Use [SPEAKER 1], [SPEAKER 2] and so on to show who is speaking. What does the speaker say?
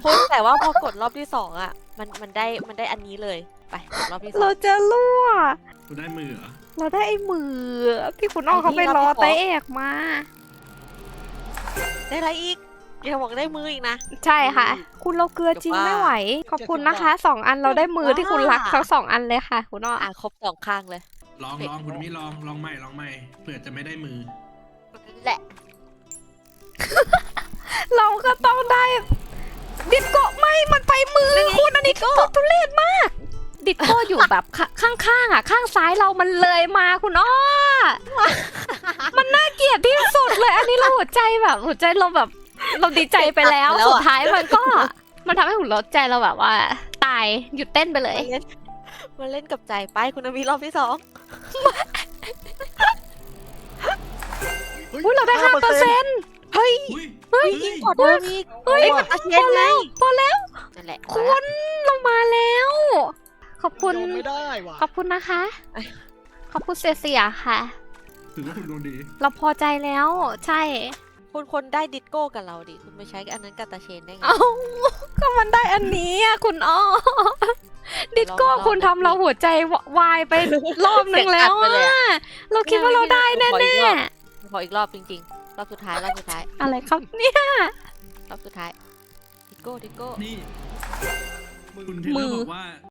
[SPEAKER 1] คุณแต่ว่าพอกดรอบที่2อ่ะมันได้อันนี้เลยไปกดรอบที่สอ
[SPEAKER 2] เรา
[SPEAKER 1] ง
[SPEAKER 2] จะรั่ว
[SPEAKER 3] คุณได้มือเหรอ
[SPEAKER 2] เราได้ไอ้มือที่คุณอ้อเขาไปรอไตเอกมา
[SPEAKER 1] ได้อะไรอีกอย่าบอกได้มืออีกนะ
[SPEAKER 2] ใช่ค่ะ คุณเราเกลือจริงไม่ไหว ขอบคุณนะคะ2 อันเราได้มือที่คุณรักทั้ง2 อันเลยค่ะ คุณอ้อ
[SPEAKER 1] ครบ2ข้างเลย
[SPEAKER 3] ลองคุณไม่ลองใหม่เผื่อจะไม่ได้มือ
[SPEAKER 1] แหละ
[SPEAKER 2] เราก็ต้องได้ดิสโก้ไม่มันไปมือคุณอันนี้ทุเรศมาก ดิสโก้อยู่แบบข้างๆอ่ะข้างซ้ายเรามันเลยมาคุณอ้อ มันน่าเกลียดที่สุดเลย อันนี้เราหัวใจเราแบบเราดีใจไปแล้วสุดท้ายมันทำให้หัวใจเราแบบว่า ตายหยุดเต้นไปเลย
[SPEAKER 1] มาเล่นกับใจไปคุณนามีรอบที่2
[SPEAKER 2] อุ้ยเราได้5%
[SPEAKER 1] เฮ้ย
[SPEAKER 3] อุ้ย
[SPEAKER 1] ยิ่งกว่าเดิมอีก
[SPEAKER 2] เฮ้ย
[SPEAKER 1] กับอาเชนไง
[SPEAKER 2] พอแล้ว
[SPEAKER 1] นั่นแหละ
[SPEAKER 2] คุณเรามาแล้ว ขอบคุณ
[SPEAKER 4] ยอมไม่ได้ว่ะ
[SPEAKER 2] ขอบคุณนะคะ ขอบคุณเสียค่ะ
[SPEAKER 3] ถือว่าคุณดวงดี
[SPEAKER 2] เราพอใจแล้ว ใช่
[SPEAKER 1] คุณคนได้ดิสโก้กับเราดิคุณไปใช้อันนั้นกับตาเชนได้ไง
[SPEAKER 2] เอ้าก็มันได้อันนี้อ่ะคุณอ้อ ดิสโก้คุณทำเราหัวใจวายไปรอบนึงแล้วอ่ะ เราคิดว่าเราได้แน่
[SPEAKER 1] ขออีกรอบจริงๆรอบสุดท้าย
[SPEAKER 2] ๆ อะไรครับเนี่ย
[SPEAKER 1] รอบสุดท้ายดิสโก้
[SPEAKER 3] นี่คุณเทเลอร์บอกว่า